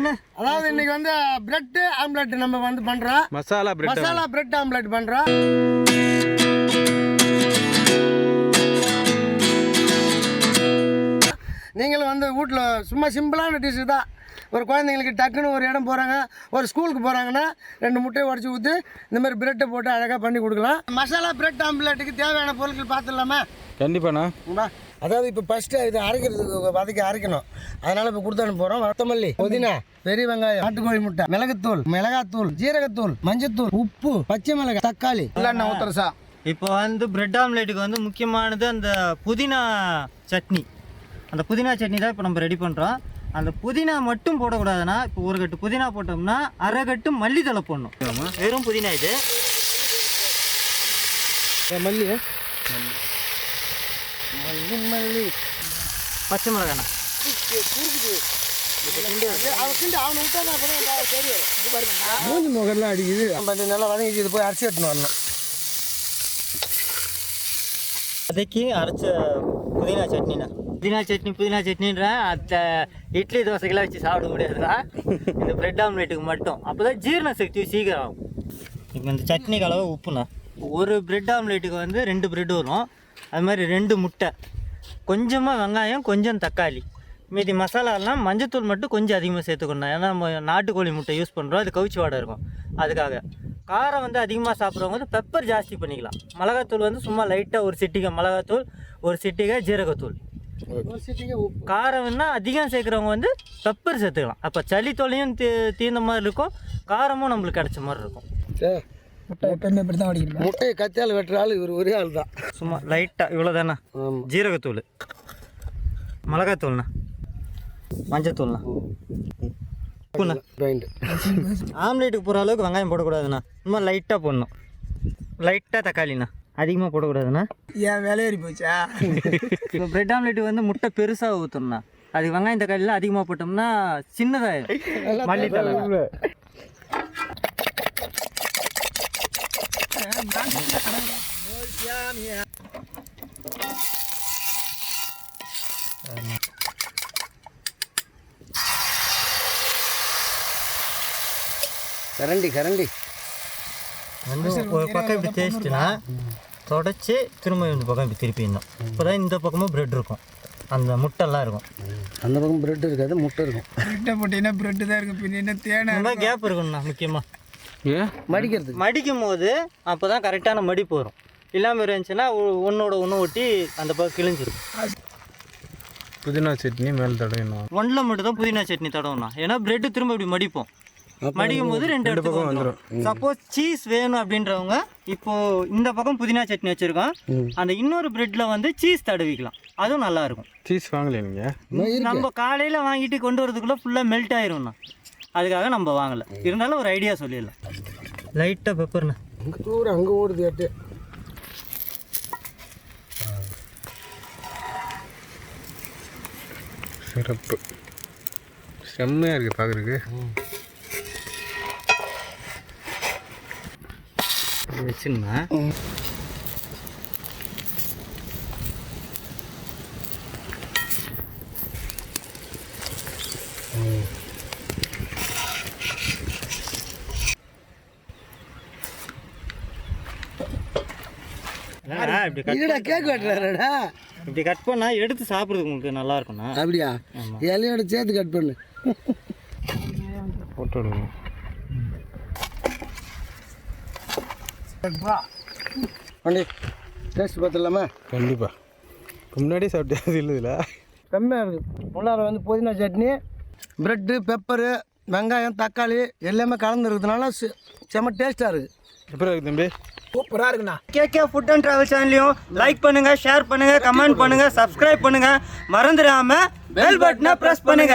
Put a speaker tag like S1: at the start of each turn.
S1: என்ன
S2: அதாவது இன்னைக்கு வந்து பிரெட் ஆம்லெட் நம்ம வந்து பண்றோம். மசாலா பிரெட் ஆம்லெட் பண்றோம். நீங்களும் வந்து வீட்டில் சும்மா சிம்பிளான டிஷ்ஷு தான். ஒரு குழந்தைங்களுக்கு டக்குன்னு ஒரு இடம் போகிறாங்க, ஒரு ஸ்கூலுக்கு போகிறாங்கன்னா 2 முட்டையை உடச்சி ஊற்றி இந்த மாதிரி பிரெட்டை போட்டு அழகாக பண்ணி கொடுக்கலாம். மசாலா பிரெட் ஆம்லெட்டுக்கு தேவையான பொருட்கள் பார்த்துடலாமா?
S3: கண்டிப்பாண்ணா.
S2: அதாவது இப்போ ஃபஸ்ட்டு இது அரைக்கிறதுக்கு வதக்கி அரைக்கணும். அதனால் இப்போ கொடுத்து அனுப்புகிறோம். கொத்தமல்லி, புதினா, பெரிய வெங்காயம், நாட்டுக்கோழி முட்டை, மிளகுத்தூள், மிளகாத்தூள், ஜீரகத்தூள், மஞ்சத்தூள், உப்பு, பச்சை மிளகாய், தக்காளி இல்லைண்ணா ஊத்துறசா.
S1: இப்போ வந்து பிரெட் ஆம்லேட்டுக்கு வந்து முக்கியமானது அந்த புதினா சட்னி. அந்த புதினா சட்னி தான் இப்போ நம்ம ரெடி பண்ணுறோம். அந்த புதினா மட்டும் போடக்கூடாதுன்னா, இப்போ ஒரு கட்டு புதினா போட்டோம்னா அரை கட்டு மல்லித்தலை போடணும். வெறும் புதினா இது.
S2: மல்லி
S1: பச்சை மிளகாண்ணா.
S2: மூஞ்சி முகம்லாம் அடிக்குது. நம்ம நல்லா வதங்கிச்சு. இது போய் அரிசி எடுத்துன்னு வரணும்.
S1: அதுக்கு அரைச்ச புதினா சட்னிண்ணா. புதினா சட்னின்ற அந்த இட்லி தோசைக்கெல்லாம் வச்சு சாப்பிட முடியாதுண்ணா. இந்த பிரெட் ஆம்லேட்டுக்கு மட்டும். அப்போ தான் ஜீரண சக்தி சீக்கிரம் ஆகும். இப்போ இந்த சட்னிக்கு அளவு உப்புண்ணா. ஒரு பிரெட் ஆம்லேட்டுக்கு வந்து 2 பிரெட் வரும். அது மாதிரி 2 முட்டை, கொஞ்சமாக வெங்காயம், கொஞ்சம் தக்காளி, மீதி மசாலாலாம் மஞ்சத்தூள் மட்டும் கொஞ்சம் அதிகமாக சேர்த்துக்கணும். ஏன்னா நம்ம நாட்டுக்கோழி முட்டை யூஸ் பண்ணுறோம், அது கவுச்சி வாடை இருக்கும். அதுக்காக காரம் வந்து அதிகமாக சாப்பிட்றவங்க வந்து பெப்பர் ஜாஸ்தி பண்ணிக்கலாம். மிளகாத்தூள் வந்து சும்மா லைட்டாக ஒரு சிட்டிகை மிளகாத்தூள், ஒரு சிட்டிகை ஜீரகத்தூள். காரம் வேணா அதிகம் சேர்க்குறவங்க வந்து பெப்பர் சேர்த்துக்கலாம். அப்போ சளி தொலையும் தீர்ந்த மாதிரி இருக்கும், காரமும் நம்மளுக்கு கிடைச்ச மாதிரி இருக்கும்.
S2: முட்டையை கத்தியால் வெட்டுற ஆள் இவர் ஒரே ஆள் தான்.
S1: சும்மா லைட்டாக இவ்வளோ தானே. ஜீரகத்தூள், மிளகாத்தூள்ண்ணா, மஞ்சத்தூள்ண்ணா, உப்புண்ணா. ஆம்லேட்டுக்கு போகிற அளவுக்கு வெங்காயம் போடக்கூடாதுண்ணா. சும்மா லைட்டாக போடணும். லைட்டாக தக்காளிண்ணா, அதிகமாக போடக்கூடாதுண்ணா.
S2: ஏன் வேலையேறி போச்சா?
S1: இப்போ பிரெட் ஆம்லேட்டுக்கு வந்து முட்டை பெருசாக ஊற்றணும்ண்ணா. அதுக்கு வெங்காயம் தக்காளிலாம் அதிகமாக போட்டோம்னா சின்னதாகிடும். மல்லித்தலை
S2: கரண்டி
S1: வந்து ஒரு பக்கம் இப்படி தேய்ச்சிட்டுனா தொடச்சி திரும்ப இந்த பக்கம் இப்படி திருப்பிடணும். இப்போ தான் இந்த பக்கமும் பிரெட் இருக்கும், அந்த முட்டைலாம் இருக்கும்.
S2: அந்த பக்கம் பிரெட் இருக்காது, முட்டை இருக்கும்.
S4: பிரெட்டை போட்டிங்கன்னா பிரெட்டு தான் இருக்கும். பின்ன என்ன தேனை
S1: இந்த மாதிரி கேப் இருக்கணும்ண்ணா. முக்கியமாக
S2: மடிக்கிறதுக்கு
S1: மடிக்கும் போது அப்போ தான் கரெக்டான மடிப்பு வரும். இல்லாமல் இருந்துச்சுன்னா ஒன்றோட ஒன்று ஒட்டி அந்த பக்கம் கிழிஞ்சிடும்.
S3: புதினா சட்னி மேலே தடவிடணும்.
S1: ஒன்றில் மட்டும் தான் புதினா சட்னி தடவுண்ணா. ஏன்னா பிரெட்டு திரும்ப இப்படி மடிப்போம். மடிக்கும் போது 2 இடத்துக்கு வந்துடும். சப்போஸ் சீஸ் வேணும் அப்படின்றவங்க இப்போ இந்த பக்கம் புதினா சட்னி வச்சுருக்கோம், அந்த இன்னொரு பிரெட்டில் வந்து சீஸ் தடவிக்கலாம். அதுவும் நல்லாயிருக்கும்.
S3: சீஸ் வாங்கலையா நீங்கள்?
S1: நம்ம காலையில் வாங்கிட்டு கொண்டு வரதுக்குள்ளே ஃபுல்லாக மெல்ட் ஆயிரும்ண்ணா. அதுக்காக நம்ம வாங்கலை. இருந்தாலும் ஒரு ஐடியா சொல்லிடலாம். லைட்டாக பெப்பர்ண்ணா.
S2: அங்கே ஓடுது எட்டு.
S3: சிறப்பு, செம்மையாக இருக்குது பார்க்குறதுக்கு.
S1: வச்சுருந்தா
S2: கேக் வெட்டுறாருடா.
S1: இப்படி கட் பண்ணா எடுத்து சாப்பிட்றதுக்கு உங்களுக்கு நல்லா இருக்கும்ண்ணா.
S2: அப்படியா? இலையோட சேர்த்து கட் பண்ணு.
S3: போட்டோ எடுக்கணும்.
S2: வண்டி டேஸ்ட் பார்த்துடலாமா?
S3: கண்டிப்பாக. முன்னாடியே சாப்பிட்டது இல்லைல்ல,
S2: செம்மையாக இருக்குது. உள்ளார வந்து புதினா சட்னி, ப்ரெட்டு, பெப்பரு, வெங்காயம், தக்காளி எல்லாமே கலந்துருக்கிறதுனால செம்ம டேஸ்ட்டாக இருக்குது.
S3: எப்படி இருக்குது தம்பி?
S4: சூப்பராக இருக்குண்ணா.
S1: கேகே ஃபுட் அண்ட் ட்ராவல் சேனலையும் லைக் பண்ணுங்கள், ஷேர் பண்ணுங்கள், கமெண்ட் பண்ணுங்கள், சப்ஸ்கிரைப் பண்ணுங்கள். மறந்துடாமல் பெல் பட்டனை ப்ரெஸ் பண்ணுங்கள்.